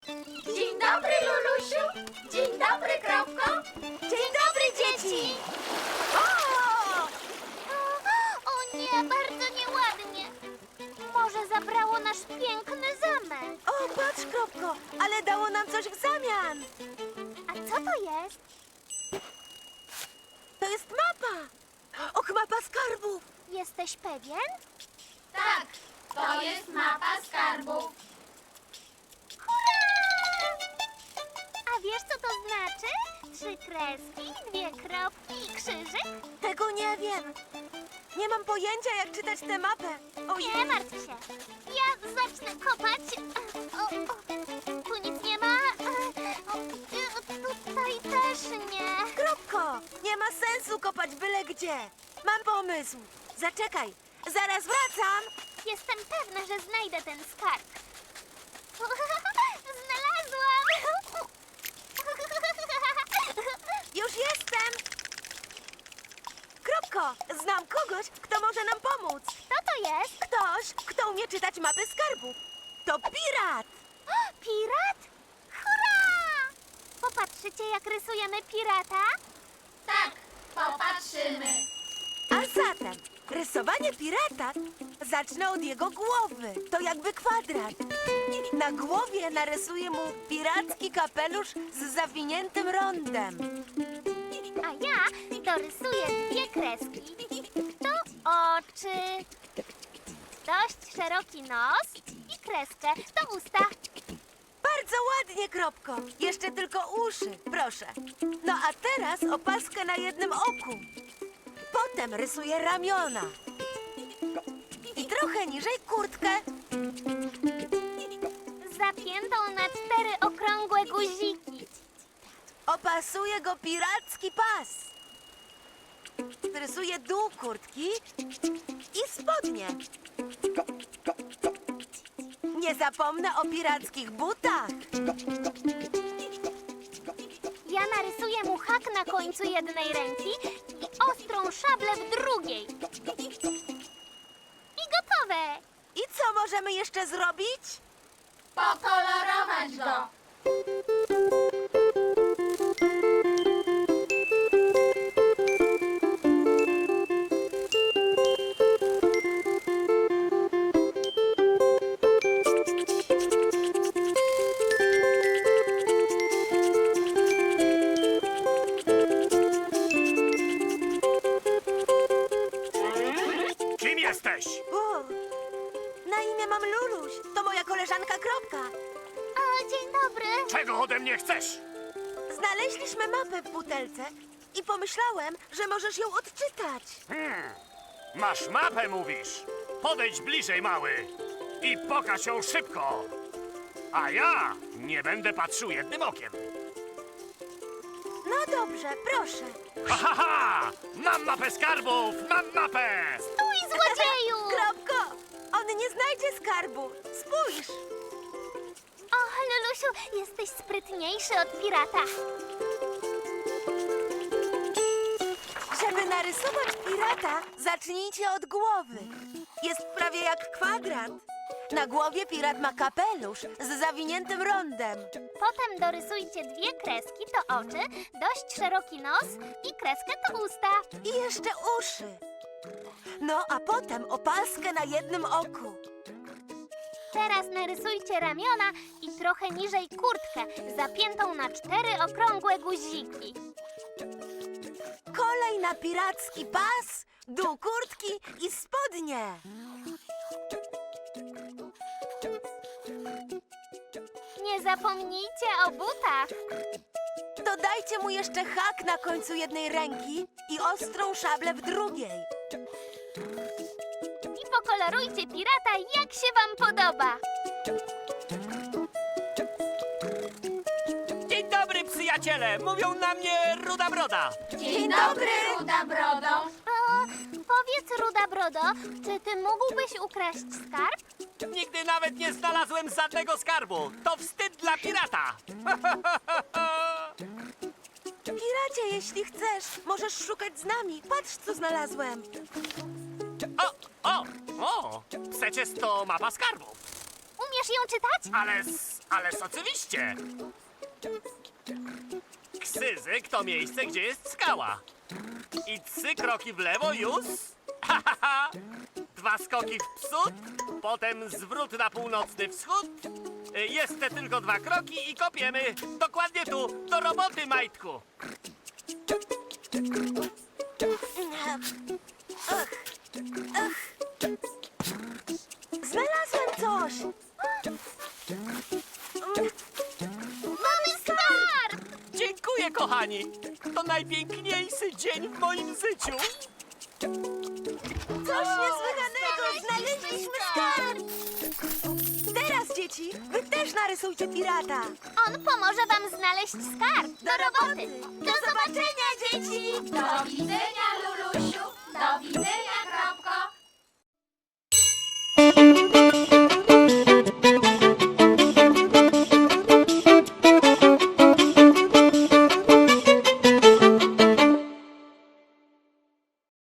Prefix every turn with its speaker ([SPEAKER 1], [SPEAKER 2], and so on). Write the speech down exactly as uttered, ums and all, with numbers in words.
[SPEAKER 1] Dzień dobry, Lulusiu. Dzień dobry, Kropko.
[SPEAKER 2] Dzień dobry, dzieci! O!
[SPEAKER 3] O nie, bardzo nieładnie. Może zabrało nasz piękny zamek.
[SPEAKER 2] O, patrz, Kropko, ale dało nam coś w zamian.
[SPEAKER 3] A co to jest?
[SPEAKER 2] To jest mapa. Och, mapa skarbów.
[SPEAKER 3] Jesteś pewien?
[SPEAKER 1] Tak, to jest mapa skarbów.
[SPEAKER 3] Hurra! A wiesz, co to znaczy? Trzy kreski, dwie kropki i krzyżyk?
[SPEAKER 2] Tego nie wiem. Nie mam pojęcia, jak czytać tę mapę. Ojej.
[SPEAKER 3] Nie martw się. Ja zacznę kopać. O, o, tu nic nie ma. O, tutaj też nie.
[SPEAKER 2] Kropko, nie ma sensu kopać byle gdzie. Mam pomysł. Zaczekaj, zaraz wracam.
[SPEAKER 3] Jestem pewna, że znajdę ten skarb. Znalazłam!
[SPEAKER 2] Już jestem. Kropko, znam kogoś, kto może nam pomóc.
[SPEAKER 3] Kto to jest?
[SPEAKER 2] Ktoś, kto umie czytać mapy skarbów. To pirat.
[SPEAKER 3] Pirat? Hurra! Popatrzycie, jak rysujemy pirata?
[SPEAKER 1] Tak, popatrzymy.
[SPEAKER 2] A zatem rysowanie pirata zacznę od jego głowy. To jakby kwadrat. Na głowie narysuję mu piracki kapelusz z zawiniętym rondem.
[SPEAKER 3] A ja dorysuję dwie kreski. To oczy. Dość szeroki nos i kreskę. To usta.
[SPEAKER 2] Bardzo ładnie, Kropko. Jeszcze tylko uszy, proszę. No a teraz opaskę na jednym oku. Potem rysuję ramiona. I trochę niżej kurtkę.
[SPEAKER 3] Zapiętą na cztery okrągłe guziki.
[SPEAKER 2] Opasuję go piracki pas. Rysuję dół kurtki i spodnie. Nie zapomnę o pirackich butach.
[SPEAKER 3] Ja narysuję mu hak na końcu jednej ręki i ostrą szablę w drugiej. I gotowe!
[SPEAKER 2] I co możemy jeszcze zrobić?
[SPEAKER 1] Pokolorować go.
[SPEAKER 4] Kim jesteś?
[SPEAKER 2] O, na imię mam Luluś. To moja koleżanka Kropka.
[SPEAKER 3] O, dzień dobry!
[SPEAKER 4] Czego ode mnie chcesz?
[SPEAKER 2] Znaleźliśmy mapę w butelce i pomyślałem, że możesz ją odczytać.
[SPEAKER 4] Hmm. Masz mapę, mówisz? Podejdź bliżej, mały. I pokaż ją szybko. A ja nie będę patrzył jednym okiem.
[SPEAKER 2] No dobrze, proszę.
[SPEAKER 4] Ha, ha, ha! Mam mapę skarbów! Mam mapę!
[SPEAKER 3] Stój, złodzieju!
[SPEAKER 2] Kropko, on nie znajdzie skarbu. Spójrz.
[SPEAKER 3] Och, Lulusiu, jesteś sprytniejszy od pirata.
[SPEAKER 2] Żeby narysować pirata, zacznijcie od głowy. Jest prawie jak kwadrat. Na głowie pirat ma kapelusz z zawiniętym rondem.
[SPEAKER 3] Potem dorysujcie dwie kreski, to oczy, dość szeroki nos i kreskę to usta.
[SPEAKER 2] I jeszcze uszy. No a potem opaskę na jednym oku.
[SPEAKER 3] Teraz narysujcie ramiona i trochę niżej kurtkę, zapiętą na cztery okrągłe guziki.
[SPEAKER 2] Kolej na piracki pas, dół kurtki i spodnie.
[SPEAKER 3] Nie zapomnijcie o butach.
[SPEAKER 2] Dodajcie mu jeszcze hak na końcu jednej ręki i ostrą szablę w drugiej.
[SPEAKER 3] I pokolorujcie pirata, jak się wam podoba.
[SPEAKER 5] Dzień dobry, przyjaciele! Mówią na mnie Ruda Broda.
[SPEAKER 1] Dzień dobry, Ruda Brodo.
[SPEAKER 3] O, powiedz, Ruda Brodo, czy ty mógłbyś ukraść skarb?
[SPEAKER 5] Nigdy nawet nie znalazłem żadnego skarbu. To wstyd dla pirata.
[SPEAKER 2] Piracie, jeśli chcesz, możesz szukać z nami. Patrz, co znalazłem.
[SPEAKER 4] O, o, o! Przecież to mapa skarbów.
[SPEAKER 3] Umiesz ją czytać?
[SPEAKER 4] Ale z Ależ oczywiście.
[SPEAKER 5] Ksyzyk to miejsce, gdzie jest skała. I trzy kroki w lewo już. Ha, ha, ha. Dwa skoki w przód, potem zwrót na północny wschód. Y, Jeszcze tylko dwa kroki i kopiemy. Dokładnie tu. Do roboty, Majtku.
[SPEAKER 2] Znalazłem coś!
[SPEAKER 3] Mamy skarb!
[SPEAKER 5] Dziękuję, kochani. To najpiękniejszy dzień w moim życiu.
[SPEAKER 2] Coś niesłychanego! Znaleźliśmy skarb! Teraz, dzieci, wy też narysujcie pirata!
[SPEAKER 3] On pomoże wam znaleźć skarb. Do roboty! Do zobaczenia, dzieci!
[SPEAKER 1] Do widzenia, Lulusiu! Do widzenia,